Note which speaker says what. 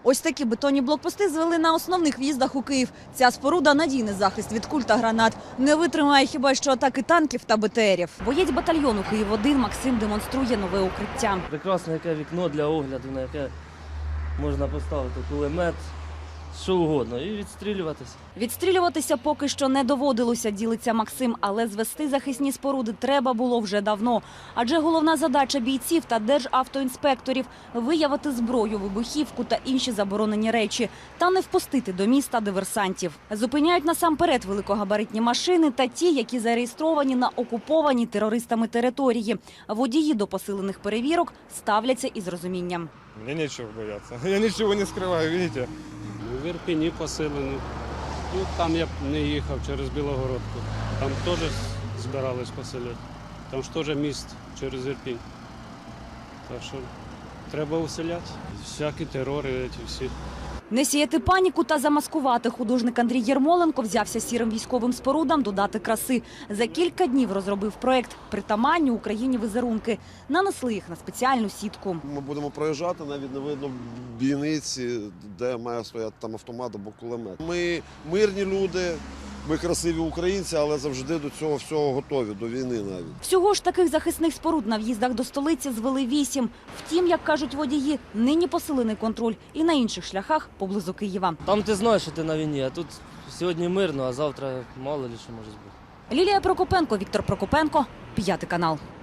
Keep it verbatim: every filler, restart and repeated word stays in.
Speaker 1: Ось такі бетонні блокпости звели на основних в'їздах у Київ. Ця споруда – надійний захист від куль та гранат. Не витримає хіба що атаки танків та БТРів. Боєць батальйону Київ один Максим демонструє нове укриття.
Speaker 2: Прекрасне яке вікно для огляду, на яке можна поставити кулемет, що угодно, і відстрілюватися.
Speaker 1: Відстрілюватися поки що не доводилося, ділиться Максим, але звести захисні споруди треба було вже давно. Адже головна задача бійців та державтоінспекторів – виявити зброю, вибухівку та інші заборонені речі, та не впустити до міста диверсантів. Зупиняють насамперед великогабаритні машини та ті, які зареєстровані на окупованій терористами території. Водії до посилених перевірок ставляться із розумінням.
Speaker 3: Мені нічого боятися. Я нічого не скриваю, бачите?
Speaker 4: В Ірпені поселені. Ну, там я б не їхав через Білогородку. Там теж збирались поселяти. Там ж теж міст через Ірпінь. Так що треба уселяти. Всякі терори, ці всі.
Speaker 1: Не сіяти паніку та замаскувати. Художник Андрій Єрмоленко взявся сірим військовим спорудам додати краси. За кілька днів розробив проєкт «Притаманні Україні візерунки». Нанесли їх на спеціальну сітку.
Speaker 5: Ми будемо проїжджати, навіть не видно бійниці, де має стояти там автомат або кулемет. Ми мирні люди, ми красиві українці, але завжди до цього всього готові, до війни навіть.
Speaker 1: Всього ж таких захисних споруд на в'їздах до столиці звели вісім. Втім, як кажуть водії, нині посилений контроль і на інших шляхах поблизу Києва.
Speaker 2: Там ти знаєш, що ти на війні, а тут сьогодні мирно, а завтра мало ли що може бути.
Speaker 1: Лілія Прокопенко, Віктор Прокопенко, п'ятий канал.